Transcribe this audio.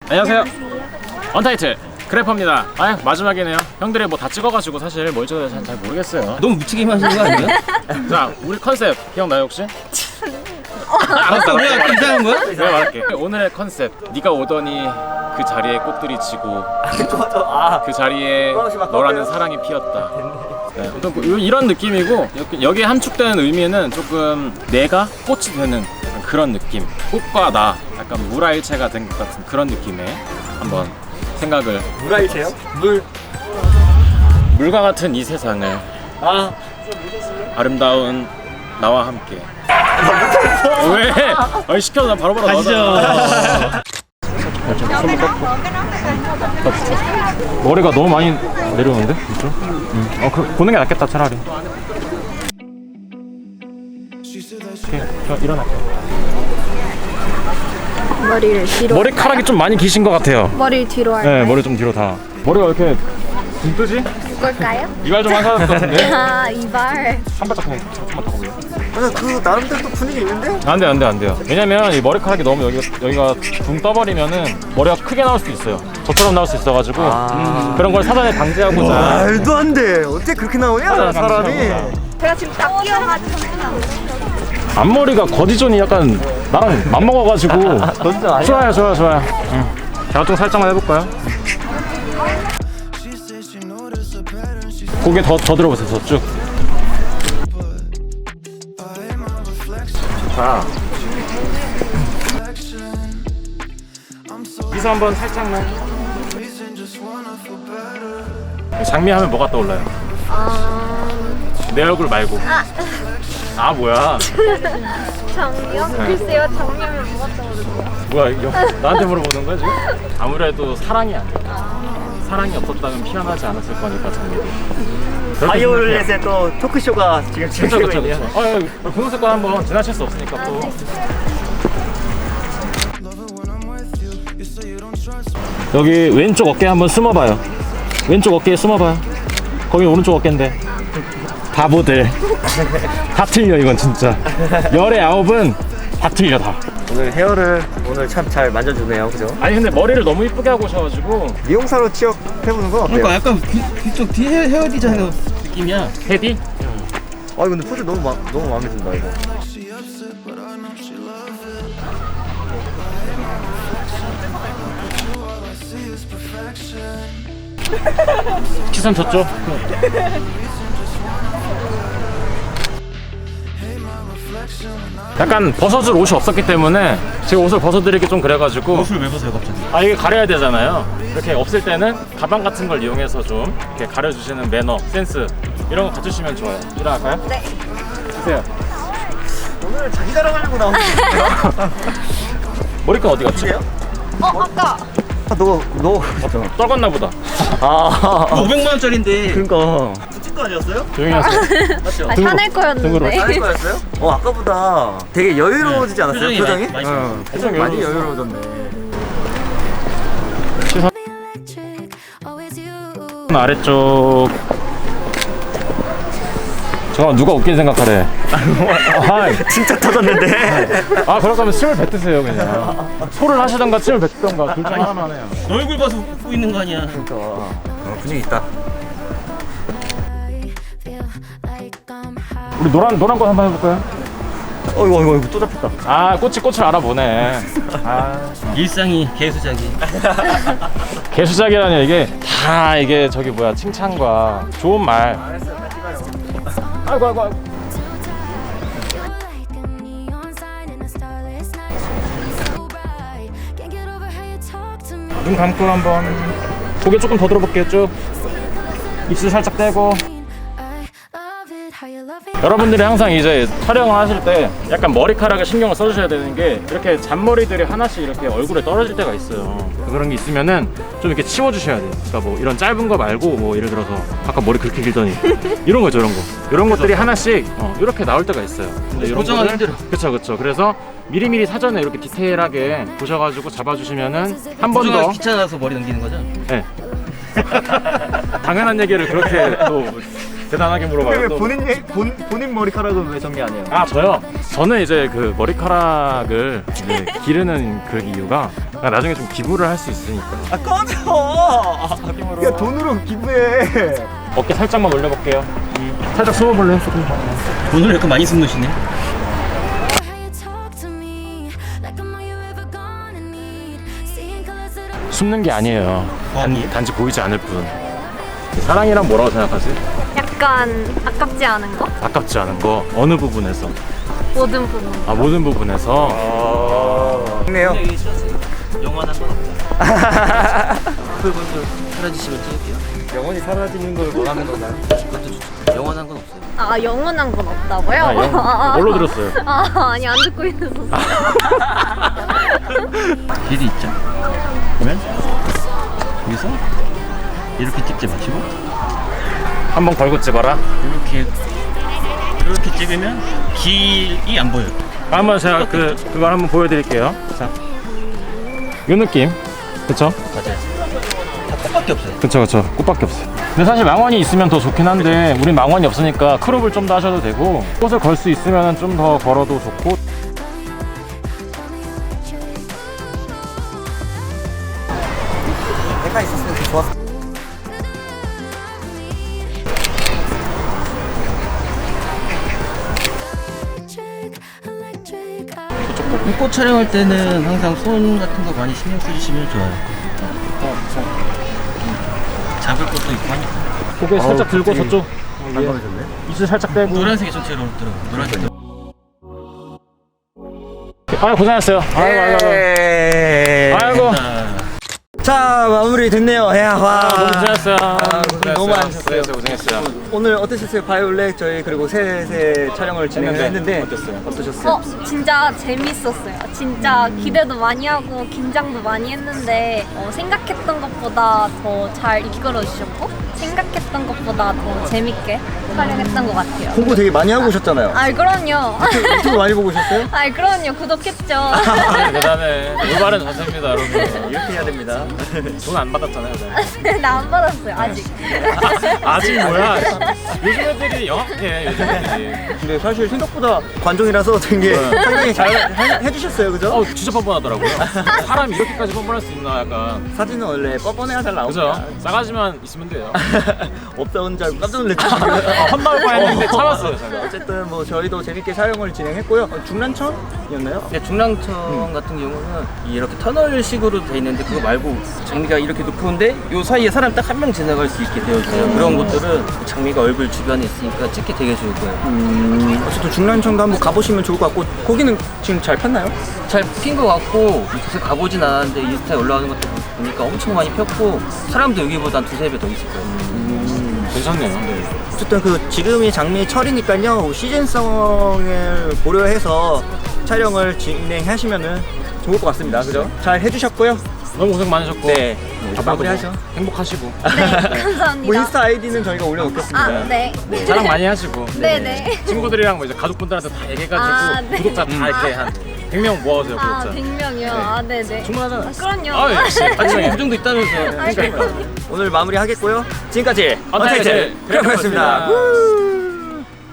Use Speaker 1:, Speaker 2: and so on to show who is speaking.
Speaker 1: 안녕하세요. 언타이틀 그래퍼입니다. 아 마지막이네요. 형들이 뭐 다 찍어가지고 사실 뭘 찍어야 될지 잘 모르겠어요.
Speaker 2: 너무 무책임 하시는 거 아니에요?
Speaker 1: 자 우리 컨셉 기억나요 혹시?
Speaker 2: 알았어, 우리가 이상한 거야?
Speaker 1: 내가 말할게. 오늘의 컨셉 네가 오더니 그 자리에 꽃들이 지고 그 자리에 너라는 사랑이 피었다. 네, 이런 느낌이고 여기에 함축되는 의미는 조금 내가 꽃이 되는 약간 그런 느낌. 꽃과 나 약간 물화일체가 된 것 같은 그런 느낌에 한번 생각을.
Speaker 3: 물화일체요?
Speaker 1: 물과 같은 이 세상을 아름다운 나와 함께. 왜? 아니 시켜서 난 바로바로 나오잖아. 머리가 너무 많이 내려오는데? 진짜? 보는 게 낫겠다 차라리. 오케이, 저 일어날게요.
Speaker 4: 머리를 뒤로.
Speaker 1: 머리카락이 좀 많이 기신 것 같아요.
Speaker 4: 머리 뒤로 할까요?
Speaker 1: 네, 머리 좀 뒤로 다. 머리가 왜 이렇게 붕 뜨지?
Speaker 4: 걸까요?
Speaker 1: 이발 좀 하셔야 될 것 같은데?
Speaker 4: 아 이발.
Speaker 1: 한 발짝 그냥 한번 더 보세요.
Speaker 3: 아니 그 나름대로 또 분위기 있는데?
Speaker 1: 안 돼요. 왜냐면 이 머리카락이 너무 여기가 붕 떠버리면은 머리가 크게 나올 수도 있어요. 저처럼 나올 수 있어가지고 그런 걸 사전에 방지하고자.
Speaker 3: 말도 안 돼. 어떻게 그렇게 나오냐 사람이.
Speaker 4: 제가 지금 딱 끼어가지고.
Speaker 1: 앞머리가 거지존이 약간 나랑 맞먹어가지고.
Speaker 3: 거짓말 아니야?
Speaker 1: 좋아요. 제가 좀 살짝만 해볼까요? 고개 더 들어보세요. 더 쭉. 자, 미소 한번 살짝만. 장미하면 뭐가 떠올라요? 내 얼굴 말고. 뭐야?
Speaker 4: 정요? 글쎄요, 정요면 뭐가 떠오르죠?
Speaker 1: 뭐야 이거 나한테 물어보는 거야 지금? 아무래도 사랑이 아니야. 사랑이 없었다면 피어나지 않았을 거니까 장미도.
Speaker 3: 바이올렛의 또 토크쇼가 지금 진행되고 있네요.
Speaker 1: 그쵸. 분홍색깔 한번 지나칠 수 없으니까 또. 여기 왼쪽 어깨 한번 숨어봐요. 왼쪽 어깨에 숨어봐요. 거기 오른쪽 어깨인데. 바보들. 다 틀려 이건 진짜. 열의 9은 다 틀려 다.
Speaker 3: 오늘 헤어를 오늘 참 잘 만져주네요, 그죠?
Speaker 1: 아니 근데 머리를 너무 이쁘게 하고 오셔가지고.
Speaker 3: 미용사로 취업해보는 건 어때요?
Speaker 2: 그러니까 약간 뒤쪽 뒤 헤어 디자이너 느낌이야.
Speaker 1: 헤디?
Speaker 3: 근데 포즈 너무 마음에 든다 이거.
Speaker 1: 시선 저쪽. 약간 벗어줄 옷이 없었기 때문에 제가 옷을 벗어드리기 좀 그래가지고.
Speaker 2: 옷을 왜 벗어요 갑자기?
Speaker 1: 이게 가려야 되잖아요. 이렇게 없을 때는 가방 같은 걸 이용해서 좀 이렇게 가려주시는 매너, 센스 이런 거 갖추시면 좋아요. 일어날까요?
Speaker 4: 네.
Speaker 1: 주세요.
Speaker 3: 오늘 자기 자랑하려고 나온 거예요?
Speaker 1: 머리끈 어디 갔지?
Speaker 4: 아까.
Speaker 3: 너
Speaker 1: 떨궜나 보다.
Speaker 2: 500만 원짜리인데.
Speaker 3: 그러니까 붙인 거 아니었어요?
Speaker 1: 조용히 하세요.
Speaker 3: 맞죠?
Speaker 4: 샤넬
Speaker 1: 등으로.
Speaker 4: 거였는데.
Speaker 3: 할 거였어요? 아까보다 되게 여유로워지지 않았어요?
Speaker 2: 표정이
Speaker 3: 표정이?
Speaker 2: 많이
Speaker 3: 표정이 많이 여유로워졌네.
Speaker 1: 아래쪽. 잠깐만 누가 웃긴 생각하래.
Speaker 3: 진짜 터졌는데.
Speaker 1: 그럴 거면 침을 뱉으세요 그냥. 소를 하시던가 침을 뱉던가 둘 중에 하나만 해요.
Speaker 2: 너 얼굴 봐서 웃고 있는 거 아니야?
Speaker 3: 분위기 있다.
Speaker 1: 우리 노란 꽃 한번 해볼까요?
Speaker 3: 이거 또 잡혔다.
Speaker 1: 꽃을 알아보네.
Speaker 2: 일상이 개수작이.
Speaker 1: 개수작이라니 이게 저기 뭐야 칭찬과 좋은 말. 아이고. 눈 감고 한번 고개 조금 더 들어볼게요. 쭉 입술 살짝 떼고. 여러분들이 항상 이제 촬영을 하실 때 약간 머리카락에 신경을 써주셔야 되는 게 이렇게 잔머리들이 하나씩 이렇게 얼굴에 떨어질 때가 있어요. 그런 게 있으면은 좀 이렇게 치워주셔야 돼요. 그러니까 뭐 이런 짧은 거 말고 뭐 예를 들어서 아까 머리 그렇게 길더니 이런 거죠, 이런 것들이 하나씩 이렇게 나올 때가 있어요. 근데 이런
Speaker 2: 고정하기
Speaker 1: 거를
Speaker 2: 힘들어.
Speaker 1: 그쵸. 그래서 미리미리 사전에 이렇게 디테일하게 보셔가지고 잡아주시면은 한 번 더.
Speaker 2: 고정하기 귀찮아서 머리 넘기는 거죠?
Speaker 1: 네. 당연한 얘기를 그렇게 또 대단하게 물어봐요.
Speaker 3: 왜
Speaker 1: 또.
Speaker 3: 본인 머리카락은 왜 정리 안 해요?
Speaker 1: 저요? 저는 이제 그 머리카락을 이제 기르는 그 이유가 아, 나중에 좀 기부를 할 수 있으니까.
Speaker 3: 아 꺼져. 야 돈으로 기부해.
Speaker 1: 어깨 살짝만 올려볼게요. 살짝 숨어볼래요? 조금.
Speaker 2: 오늘 약간 많이 숨으시네.
Speaker 1: 숨는 게 아니에요.
Speaker 2: 아니에요?
Speaker 1: 단지 보이지 않을 뿐. 사랑이란 뭐라고 생각하세요?
Speaker 4: 약간 아깝지 않은 거?
Speaker 1: 아깝지 않은 거 어느 부분에서?
Speaker 4: 모든 부분.
Speaker 1: 아 모든 부분에서.
Speaker 3: 좋네요.
Speaker 2: 여기 있었어요. 영원한 건 없다. 펄펄펄 사라지시면 찍을게요.
Speaker 3: 영원히 사라지는 걸 원하는 건가요?
Speaker 2: 그것도 좋죠. 영원한 건 없어요.
Speaker 4: 아 영원한 건 없다고요?
Speaker 1: 아, 뭘로 들었어요?
Speaker 4: 아니 안 듣고 있었어.
Speaker 2: 길이 있죠. 그러면 여기서 이렇게 찍지 마시고
Speaker 1: 한번 걸고 찍어라.
Speaker 2: 이렇게 찍으면 길이 안 보여요.
Speaker 1: 한번 제가 그걸 한번 보여드릴게요. 자, 이 느낌. 그쵸?
Speaker 2: 맞아요. 다 꽃밖에 없어요.
Speaker 1: 그쵸. 꽃밖에 없어요. 근데 사실 망원이 있으면 더 좋긴 한데 우린 망원이 없으니까 크롭을 좀 더 하셔도 되고 꽃을 걸 수 있으면 좀 더 걸어도 좋고.
Speaker 3: 내가 있었으면 좋았어.
Speaker 2: 꽃 촬영할 때는 항상 손 같은 거 많이 신경 쓰시면 좋아요. 잡을 것도 있고 하니까.
Speaker 1: 고개 살짝 들고 저쪽
Speaker 3: 반가워졌네.
Speaker 1: 입술 살짝 빼고.
Speaker 2: 노란색이 좀 제일 어렵더라고요. 노란색.
Speaker 1: 아 고생하셨어요. 아이고.
Speaker 3: 자 마무리 됐네요. 야 와.
Speaker 1: 너무 고생했어요.
Speaker 3: 고생 너무 많으셨어요.
Speaker 1: 고생했어요.
Speaker 3: 오늘 어떠셨어요? 바이올렛 저희 그리고 셋의 촬영을 진행했는데
Speaker 1: 어땠어요?
Speaker 3: 어떠셨어요?
Speaker 4: 진짜 재밌었어요. 진짜 기대도 많이 하고 긴장도 많이 했는데 생각했던 것보다 더 잘 이끌어 주셨고 생각했던 것보다 더 재밌게 촬영했던 것 같아요.
Speaker 3: 홍보 되게 많이 하고 오셨잖아요.
Speaker 4: 아 그럼요.
Speaker 3: 유튜브 많이 보고 오셨어요?
Speaker 4: 아 그럼요. 구독했죠.
Speaker 1: 대단해. 올바른 자세입니다, 여러분.
Speaker 3: 이렇게 해야 됩니다.
Speaker 1: 돈 안 받았잖아요.
Speaker 4: 나 안 받았어요 아직.
Speaker 1: 아직 뭐야? 요즘 애들이 영악해. 요즘 애들이.
Speaker 3: 근데 사실 생각보다 관종이라서 되게 상당히 잘 해주셨어요, 그죠?
Speaker 1: 진짜 뻔뻔하더라고요. 사람이 이렇게까지 뻔뻔할 수 있나 약간.
Speaker 3: 사진은 원래 뻔뻔해야 잘 나옵니다.
Speaker 1: 그죠? 싸가지만 있으면 돼요.
Speaker 3: 없다는 줄 알고 깜짝 놀랐죠.
Speaker 1: 한마을 뻔했는데 참았어요, 제가.
Speaker 3: 어쨌든 뭐 저희도 재밌게 촬영을 진행했고요. 중란천이었나요?
Speaker 2: 네, 중랑천 같은 경우는 이렇게 터널식으로 돼 있는데 그거 말고 장미가 이렇게 높은데 요 사이에 사람 딱 한 명 지나갈 수 있게 되어 있어요. 그런 곳들은 장미가 얼굴 주변에 있으니까 찍기 되게 좋을 거예요.
Speaker 3: 어쨌든 중란천도 한번 가보시면 좋을 것 같고 거기는 지금 잘 폈나요?
Speaker 2: 잘 핀 것 같고 그래서 가보진 않았는데 인스타에 올라오는 것도 보니까 엄청 많이 폈고 사람도 여기보다 한 두세 배 더 있을 거예요.
Speaker 1: 괜찮네요.
Speaker 3: 어쨌든 그 지금이 장미 철이니까요. 시즌성을 고려해서 촬영을 진행하시면은 좋을 것 같습니다. 그죠? 잘 해주셨고요.
Speaker 1: 너무 고생 많으셨고.
Speaker 3: 네. 마무리하죠.
Speaker 1: 행복하시고.
Speaker 4: 네 감사합니다.
Speaker 3: 뭐 인스타 아이디는 저희가 올려놓겠습니다.
Speaker 4: 아 네.
Speaker 1: 자랑 많이 하시고.
Speaker 4: 네네.
Speaker 1: 친구들이랑 뭐 이제 가족분들한테 다 얘기해가지고
Speaker 4: 아, 네.
Speaker 1: 구독자 다 이렇게 한 100명 모아주세요,
Speaker 4: 아
Speaker 1: 구독자.
Speaker 4: 100명이요. 아 네네.
Speaker 1: 충분하잖아요.
Speaker 4: 아, 그럼요.
Speaker 1: 아, 역시.
Speaker 2: 아침에 그 정도 있다면서요.
Speaker 4: 아이고.
Speaker 3: 오늘 마무리하겠고요. 지금까지
Speaker 1: 언타이틀
Speaker 3: 언타이틀 크래프였습니다.
Speaker 1: 크래프였습니다.